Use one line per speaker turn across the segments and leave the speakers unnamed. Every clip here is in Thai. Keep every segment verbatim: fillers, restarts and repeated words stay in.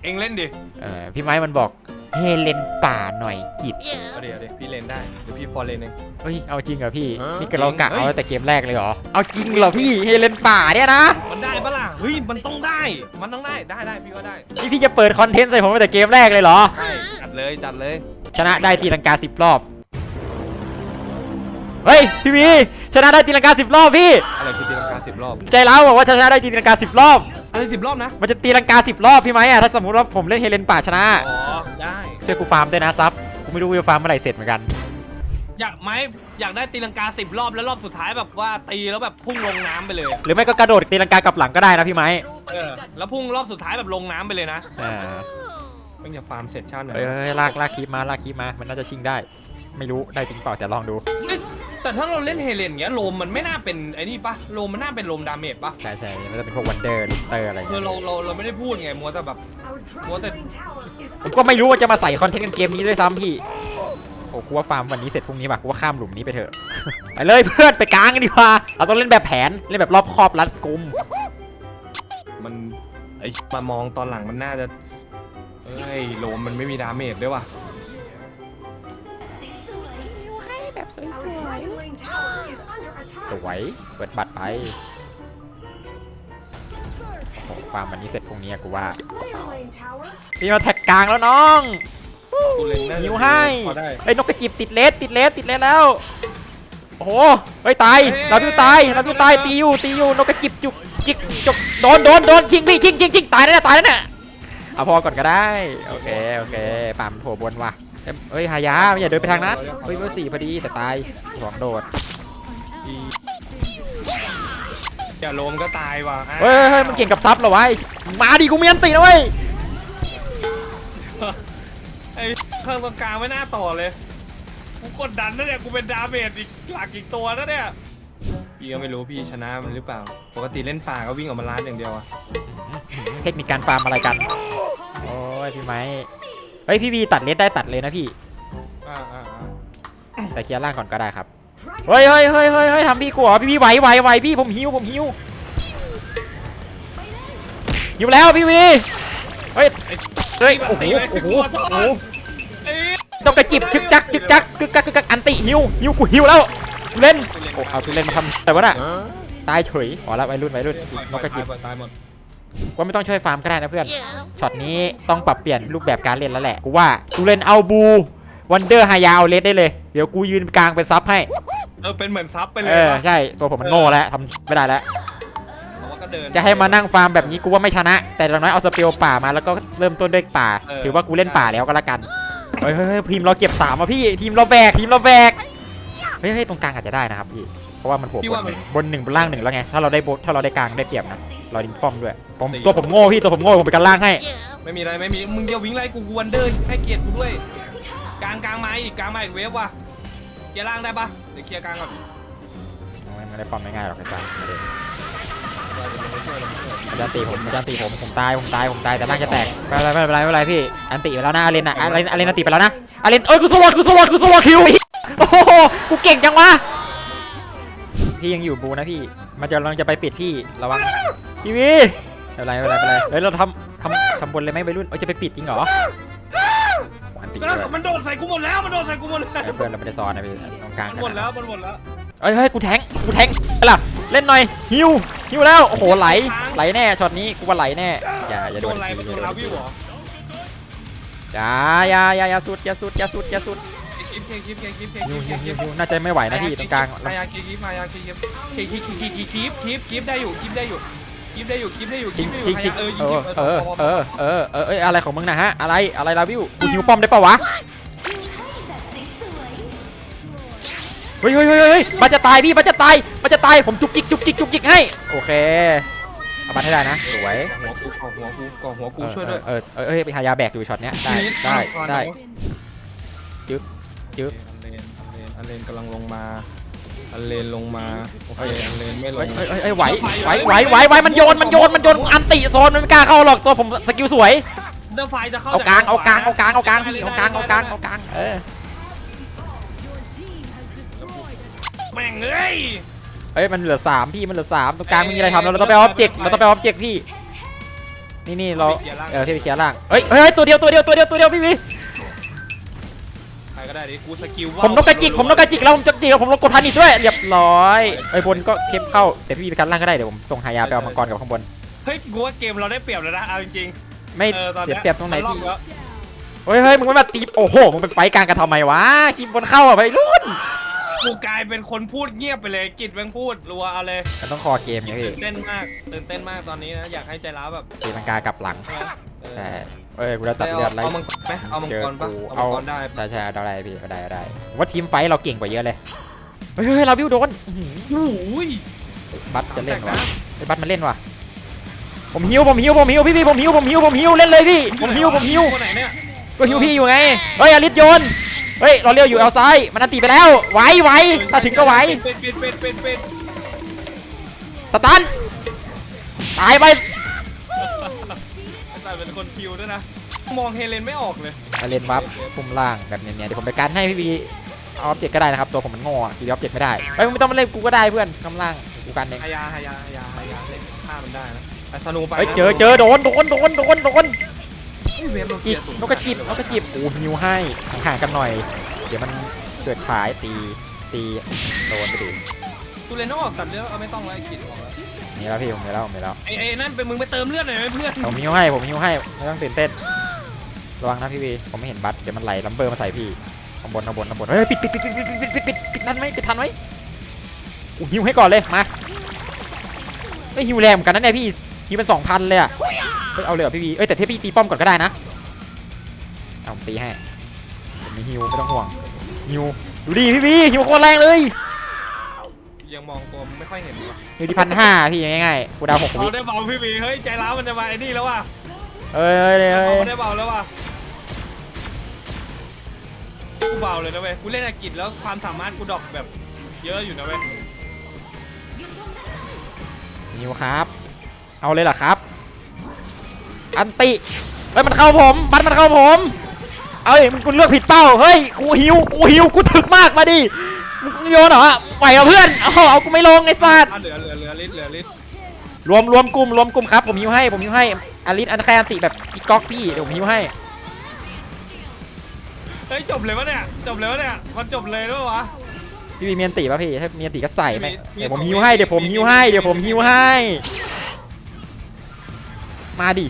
เองเล่นดิ
เออพี่ไม้มันบอกเฮเลนป่าหน่อยกิจ
เอาเดี๋ยวเดี๋ยวพี่เล่นได้เดี๋ยวพี่ฟอร์เล่นเอง
เฮ้ยเอาจริงเหรอพี่นี่ก็เรากะเอาแต่เกมแรกเลยเหรอเอาจริงเหรอพี่เฮเลนป่าเนี่ยนะ
มันได้ปะล่ะเฮ้ยมันต้องได้มันต้องได้ได้ได้พี่ว่าได้
นี่พี่จะเปิดคอนเทนต์ใส่ผมตั้งแต่เกมแรกเลยเหรอ
ใช่จัดเลยจัดเลย
ชนะได้ตีลังกาสิบรอบเฮ้ยพี่วีชนะได้ตีลังกาสิบรอบพี่
อะไรคือตีลังกาสิบรอบ
ใจร้าวบอกว่าชนะได้ตีลังกาสิบรอบ
อะไรสิบรอบนะ
มันจะตีลังกาสิบรอบพี่ไหมอ่ะถ้าสมมติว่าผมเล่นเฮเลนป่าชนะ
อ๋อได้
เดี๋ยวกูฟาร์มด้วยนะซับกูไม่รู้ว่าฟาร์มเมื่อไหร่เสร็จเหมือนกัน
อยากไหมอยากได้ตีลังกาสิบรอบแล้วรอบสุดท้ายแบบว่าตีแล้วแบบพุ่งลงน้ำไปเลย
หรือไม่ก็กระโดดตีลังกากลับหลังก็ได้นะพี่ไหม
เออแล้วพุ่งรอบสุดท้ายแบบลงน้ำไปเลยนะ
อ่า
ต้องอย่าฟาร์มเสร็จชาติหน่อย
เฮ้ยลากลากคลิปมาลากคลิปมามันน่าจะชิงได้ไม่รู้ได้จริงเปล่าจะลองดู
แต่ถ้าเราเล่นเฮเลนเงี้ยโลมมันไม่น่าเป็นไอ้นี่ปะโลมมันน่าเป็นโลมดาเมจปะ
ใช่ใช่มันจะเป็นพวกวันเดอร์ลิเตอร์อะไรเงี้ย
เราเราเราไม่ได้พูดไงมัวแต่แบบมัวแต่
ผมก็ไม่รู้ว่าจะมาใส่คอนเทนต์กันเกมนี้ด้วยซ้ำพี่โอ้กูว่าฟาร์มวันนี้เสร็จพรุ่งนี้ป่ะกูว่าข้ามหลุมนี้ไปเถอะไปเลยเพื่อนไปกลางกันดีกว่าเราต้องเล่นแบบแผนเล่นแบบรอบคอบรัดกุม
มันไอ้มามองตอนหลังมันน่าจะเอ้ยโลมมันไม่มีดาเมจด้วยว่ะ
แบบสวยสวยเปิดบัตรไปโอ้ฟาร์มวันนี้เสร็จพรุ่งนี้กูว่าพี่มาแท็กกลางแล้วน้องหิวให้ไอ้นกกระจิบติดเลสติดเลสติดเลสแล้วโอ้โหเฮ้ยตายเราพิวตายเราพิวตายตีอยู่ตีอยู่นกกระจิบจุกจิกจุกโดนโดนโดนชิงพี่ชิงชิงชิงตายแล้วตายแล้วเนี่ยเอาพอก่อนก็ได้โอเคโอเคป่ามโผล่บนว่ะเฮ้ยหายาอย่าเดินไปทางนั้นเฮ้ยเบอร์สี่พอดีแต่ตายสองโดด
อย่าโลมก็ตายว่ะ
เฮ้ยเฮ้ยมันเก่งกับซับเหรอวะมาดิกูมีอันตีนะเว้ย
ไอ้เครื่องตรงกลางไม่น่าต่อเลยกูกดดันนะเนี่ยกูเป็นดาเมจอีกหลักอีกตัวนะเนี่ยพี่ก็ไม่รู้พี่ชนะมันหรือเปล่าปกติเล่นป่าก็วิ่งออกมาล้านอย่างเดียวอะ
เทคนิคการฟาร์มอะไรกันโอ้ยพี่ไม้เฮ้ยพี่วีตัดเลสได้ตัดเลยนะพี่
อ่าอ่า
แต่เคลียร์ล่างก่อนก็ได้ครับเฮ้ยเฮ้ยเฮ้ยเฮ้ยเฮ้ยทำพี่กูเหรอพี่พี่ไหวไหวไหวพี่ผมหิวผมหิวหิวแล้วพี่วีเฮ้ยเฮ้ยโอ้โหโอ้โหโอ้โหต้องกระจิบชึกจักชึกจักชึกจักชึกจักอันติหิวหิวกูหิวแล้วเล่นโอ้เอาตัวเล่นมาทำแต่ว่าน่ะตายเฉยอ๋อแล้ววัยรุ่นวัยรุ่นนกกระจิบ
ตายหมด
ว่าไม่ต้องช่วยฟาร์มก็ได้นะเพื่อนช็อตนี้ต้องปรับเปลี่ยนรูปแบบการเล่นแล้วแหละกูว่ากูเล่นเอาบูวันเดอร์ไฮยาเอาเลสได้เลยเดี๋ยวกูยืนกลางเป็นซับให้
เออเป็นเหมือนซับไปเลย
เออใช่ตัวผมมันโง่แล้วทำไม่ได้แล้วจะให้มานั่งฟาร์มแบบนี้กูว่าไม่ชนะแต่อย่างน้อยเอาสเปลป่ามาแล้วก็เริ่มต้นด้วยป่าถือว่ากูเล่นป่าแล้วก็แล้วกันเฮ้ยเฮ้ยทีมเราเก็บสามอ่ะพี่ทีมเราแบกทีมเราแบกเฮ้ยเฮ้ยตรงกลางอาจจะได้นะครับพี่เพราะว่ามันหัวบนบนหนึ่งบนล่างหนึ่งแล้วไงถ้าเราได้บนถ้าเราได้กลางได้เปรียบนะเราดิงป้อมด้วยผมตัวผมโง่พี่ตัวผมโง่ผมไปกันล่างให้
ไม่มีอะไรไม่มีมึงจะวิ่งไล่กูกูวันเดอร์ให้เกียรติกูด้วยกลางกลางมาอีกกลางมาอีกเวฟว่ะเคลียร์ล่างได้ปะเดี๋ยวเคลียร์กลางก่อน
ไม่ได้ป้อมง่ายๆหรอกอาจารย์อาจารย์ตีผมอาจารย์ตีผมผมตายผมตายผมตายแต่ล่างจะแตกไม่เป็นไรไม่เป็นไรไม่เป็นไรพี่อันตีไปแล้วนะอาเลนอะอาเลนอาเลนอันตีไปแล้วนะอาเลนเอ้ยกูสวอตกูสวอตกูสวอตคิวโอ้โหกูเก่งจังวะพี่ยังอยู่บูนะพี่มันจะกำลังจะไปปิดพี่ระวังทีวีไม่เป็นไรไม่เป็นไรไม่เป็นไรเฮ้ยเราทำทำทำบนเลยไหมวัยรุ่นเอ้ยจะไปปิดจริงเหรอ
มันโดนใส่กูหมดแล้วมันโดนใส่กูหมดแล้ว
เพื่อนเราไม่ได้ซ้อนนะพี่ตรงกลาง
หมดแล้วมันหมดแล้ว
เฮ้ยเฮ้ยกูแทงกูแทงอะไรล่ะเล่นหน่อยฮิวฮิวแล้วโอ้โหไหลไหลแน่ช็อตนี้กูว่าไหลแน่อย่าอย่าโดน
อะไรมันโดนลาวิวเหรอ
อย่าอย่าอย่าอย่าสุดอย่าสุดอย่าสุดอย่าสุด
คลิปคลิปคลิปคลิปคลิป
ฮิวฮิวฮิวฮิวน่าจะไม่ไหวนะพี่ตรงกลาง
มายาคลิปมายาคลิปคลิปคลิปคลิปคลิปคลิปคลิปคลิปได้อยู่คลิปได้อยู่คลิปได้อยู่คลิปได้อยู่คลิปได้อยู่เออ
เออเออเออเออเอออะไรของมึงนะฮะอะไรอะไรลาวิวกูฮิวป้อมได้ปะวะเฮ้ยเฮ้ยเฮ้ยเฮ้ยมันจะตายพี่มันจะตายมันจะตายผมจุกจิกจุกจิกจุกจิกให้โอเคเอาบัตรให้ได้นะสวย
หัวกูก่อหัวกูก่อหัวกูช่วยด้วย
เออเออเออไปหายาแบกอยู่ช็อตเนี้ยได้ได้ได้จึ๊บจึ๊บ
อันเลนกำลังลงมาอันเลนลงมาโอเคอันเลนไม่ลง
เฮ้ยเฮ้ยไหวไหวไหวไหวไหวมันโยนมันโยนมันโยนอันติโซนมันไม่กล้าเข้าหรอกตัวผมสกิลสวย
เดอร์ไฟจะเข้า
เอากลางเอากลางเอากลางเอากลางเอากลางเอากลางเอากลางเออ
แม่งเอ้ย
เอ้ยมันเหลือสามพี่มันเหลือสามตรงกลางมีอะไรทำเราต้องไปออบเจกต์เราต้องไปออบเจกต์พี่นี่นี่เราเออพี่ไปเคลียร์ล่างเฮ้ยเฮ้ยตัวเดียวตัวเดียวตัวเดียวตัวเดียวพี่วี
ใครก็ได้ดิกูสกิล
ผมนกกระจิกผมนกกระจิกแล้วผมจะจิกแล้วผมลงกดทันอีกด้วยเรียบร้อยไอ้บนก็เข้มเข้าแต่พี่วีไปกันล่างก็ได้เดี๋ยวผมส่งหายาไปเอามังกรกับข้างบน
เฮ้ยกูว่าเกมเราได้เปรียบแล้วนะเอาจริง
ไม่
ๆเออตอน
เสีย
นี้ย
เปรียบตรงไหน
มั
พี่
ล็อกแล้ว
เฮ้ยเฮ้ยมึงไม่มาตีโอ้โหมึงไปไฟกลางกันทำไมวะคิมบนเข้าอ่ะไปรุ่น
กูกลายเป็นคนพูดเงียบไปเลยกิจแม่งพูดรัวเอาเลย
มันต้องคอเกมไงพี่
ตื่นเต้นมากตื่นเต้นมากตอนนี้นะอยากให้ใจร้าวแบบ
ตีลังกากลับหลัง
ใช่ไหมเออ
ใช่เอ้ยกูจะตัดเลือดไล่
เอามังกรไหมเอามัง
เจอก
รปะ
กู
เอา
เอา
มังกรได้
ใช่ใช่เอาได้พี่เอาได้เอาได้ผมว่าทีมไฟท์เราเก่งกว่าเยอะเลยเฮ้ยเฮ้ยเราบิวโดนอื้อหือ
โอ้ย
บัตจะเล่น
แตก
วะ
นะ
ไอ้บัตมันเล่นวะผมหิวผมหิวผมหิวพี่พี่ผมหิวผมหิวผมหิวเล่นเลยพี่ผมหิวผมหิว
คนไหนเนี่ย
ก็หิวพี่อยู่ไงเฮ้ยอลิสโยนเฮ้ยเราเลี้ยวอยู่เอาซ้ายมันอันตีไปแล้วไหวไหวถ้าถึงก็ไหว
เป็นเป็นเป็นเป็นเป็น
สตันตายไป
แต่เป็นคนคิวด้วยนะมองเฮเลนไม่ออกเลย
มาเล่นบัฟปุ่มล่างแบบเนี้ยๆเดี๋ยวผมไปการให้พี่วีเอาออบเจกต์ก็ได้นะครับตัวผมมันโง่อะทีเดียวออบเจกต์ไม่ได้เฮ้ยมึงไม่ต้องมาเล่นกูก็ได้เพื่อนกำล่างกูกันเอง
ฮายาฮายาฮายาฮายาเล่นฆ่ามันได้นะแต่ธนูไป
เฮ้ยเจอเจอโดนโดนโดนโดนโดน
เฮ้ยเวฟโน
จี
เกีย
บ
สูง
นกกระจิบนกกระจิบโอ้ฮิวให้ห่างๆกันหน่อย เดี๋ยวมันเกิดฉายตีตีโดนไปดิ
กูเลยต้องออกตัดเลือดเอาไม่ต้องแล้วไอ้กิจออกแล้ว
นี่แล้วพี่ผมมีแล้วผมมีแล้ว
ไอ้ไอ้นั่นเป็นมึงไปเติมเลือดหน่อยไหมเพื่อน
ผมฮิวให้ผมฮิวให้ไม่ต้องตื่นเต้นระวังนะพี่วีผมไม่เห็นบัตเดี๋ยวมันไหลลัมเบอร์มาใส่พี่ข้างบนข้างบนข้างบนเฮ้ยปิดปิดปิดปิดปิดปิดปิดปิดปิดนั่นไหมปิดทันไหมอู้ฮิวให้ก่อนเลยมาไม่ฮิวแรงเหมือนกันนะเนี่ยพี่ฮิวเป็นสองพันเลยอะเฮ้ยเอาเลยเหรอพี่วีเอ้ยแต่ที่พี่ตีป้อมก่อนก็ได้นะเอาผมตีให้ผมมีฮิวไม่ต้องห่วงฮิวดูดิพี่วีฮิวโคตรแรงเลย
ยังมองตัวมึงไม่ค่อยเห็นว่ะ
ฮิวที่พันห้าพี่ง่ายๆกูดาวหกวิ
เอาได้เบาพี่บีเฮ้ยใจร้าวมันจะมาไอ้นี่แล้วว่ะ
เอ้ยเอ้ยเอ้ย
เอาได้เบาแล้วว่ะกูเบาเลยนะเว้ยกูเล่นอากิจแล้วความสามารถกูดรอปแบบเยอะอยู่นะเว้ย
ฮิวครับเอาเลยเหรอครับอันติเฮ้ยมันเข้าผมบัตรมันเข้าผมเอ้ยมึงกูเลือกผิดเป้าเฮ้ยกูหิวกูหิวกูถึกมากมาดิมึงโยนเหรอไหวเหรอเพื่อนเอาเอากูไม่ลงไอ้สัตว์
อ่ะเหลือเหลือเหลือลิตรเหลือลิตร
รวมรวมกลุ่มรวมกลุ่มครับผมหิวให้ผมหิวให้อลิสอันแค่อันติแบบอีก๊อกพี่เดี๋ยวผมหิวให้
เฮ้ยจบเลยวะเนี่ยจบเลยวะเนี่ยมันจบเลยด้วยวะ
พี่มีเมียนติป่ะพี่ถ้ามีเมียนติก็ใส่ไหม
มี
เดี๋ยวผม
มี
หิวให้เดี๋ยวผมหิวให้เดี๋ยวผมหิวให้มาดิ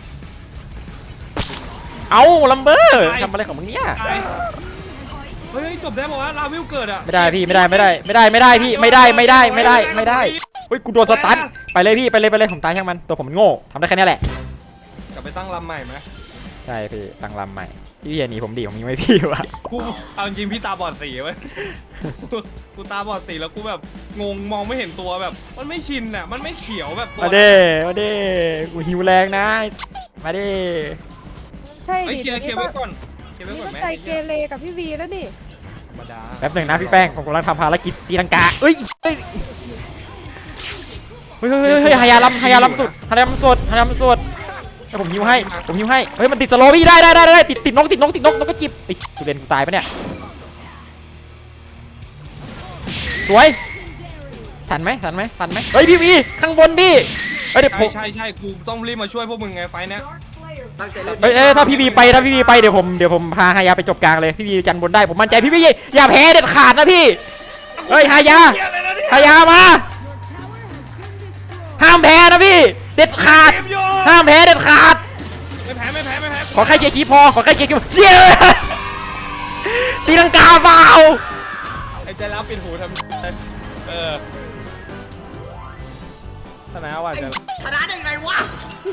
เอาลัมเบอร์ทำอะไรของมึงเนี่ย
ตายเฮ้ยจบได้บอกว่าลาวิวเกิดอ่ะ
ไม่ได้พี่ไม่ได้ไม่ได้ไม่ได้ไม่ได้พี่ไม่ได้ไม่ได้ไม่ได้ไม่ได้เฮ้ยกูโดนสตันไปเลยพี่ไปเลยไปเลยผมตายช่างมันตัวผมมันโง่ทำได้แค่นี้แหละ
กลับไปตั้งลำใหม่ไหม
ใช่พี่ตั้งลำใหม่พี่อย่าหนีผมดิผมยังไม่พี่วะ
กูเอาจริงพี่ตาบอดสีเว้ยกูกูตาบอดสีแล้วกูแบบงงมองไม่เห็นตัวแบบ มันไม่ชินอ่ะมันไม่เขียวแบบตัว
มาเด้มาเด้กูหิวแรงนะมาเด้
ใช่
เฮ้ย
ดิ
เคลียร์เคลียร์ไว้ก่อนเคลียร์ไว้
นี่
ก่อน
ก็
ไหม
ใจเกเรกับพี่วีแล้วนี่
ธรรมดา
แป๊บหนึ่งนะพี่แป้งผมกำลังทำภารกิจตีลังกาเอ้ยเฮ้ยเฮ้ยเฮ้ยเฮ้ยหายาลำหายาลำสุดหายาลำสุดหายาลำสุดให้ผมหิวให้ผมหิวให้เฮ้ยมันติดสโลว์พี่ได้ได้ได้ได้ติดติดนกติดนกติดนกนกก็จิบไอ้กูเรียนกูตายปะเนี่ยสวยทันไหมทันไหมทันไหมเฮ้ยพี่วีข้างบนพี่เฮ้ยเดี๋ยวผ
ใช่
ม
ใช่ใช่กูต้องรีบมาช่วยพวกมึงไงไฟเนี้ย
ตั้งใจเล่น
เฮ้ยเอ้ยถ้าพี่วีไปถ้าพี่วีไปเดี๋ยวผมเดี๋ยวผมพาฮายาไปจบกลางเลยพี่วีจันบนได้ผมมั่นใจพี่วีอย่าแพ้เด็ดขาดนะพี่เฮ้ยฮายาฮายามาห้ามแพ้นะพี่เด็ดขาดห้ามแพ้เด็ดขาด
ไม่แพ้ไม่แพ้ไม่แพ้
ขอแค่เชียร์คีพอขอแค่เชียร์คีพอเชียร์ตีลังกาเปล่า
ไอ้ใจร้าวปิดหูทำเออชนะว่ะจะ
ชนะได้ไงวะ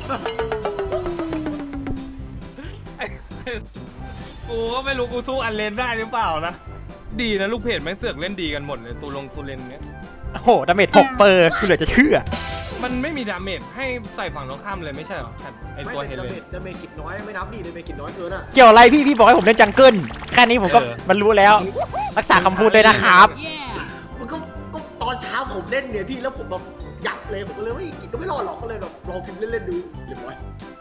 กูก็ไม่รู้กูสู้อันเลนได้หรือเปล่านะดีนะลูกเพจแม่งเสือกเล่นดีกันหมดเลยตูลงตูเลนเนี้ย
โอ้โหดาเมจหกเปอร์กูเหลือจะเชื่อ
มันไม่มีดาเมจให้ใส่ฝั่งตรงข้ามเลยไม่ใช่เหรอไอ
ไม่
ตัว
แต่
เฮ
ดา
เล
เม
น
จดาเมจกิจน้อยไม่นับดิดาเมจกิจน้อยเกินอ่ะ
เกี่ยวอะไรพี่พี่บอกให้ผมเล่นจังเกิลแค่นี้ผมก็
เออ
มันรู้แล้วรักษาคำพูดด้วยนะครับ
มันก็ก็ตอนเช้าผมเล่นเนี่ยพี่แล้วผมแบบยับเลยผมก็เลยว่ากิจก็ไม่รอดหรอกก็เลยแบบลองพิมพ์เล่นๆดูเรียบร้อย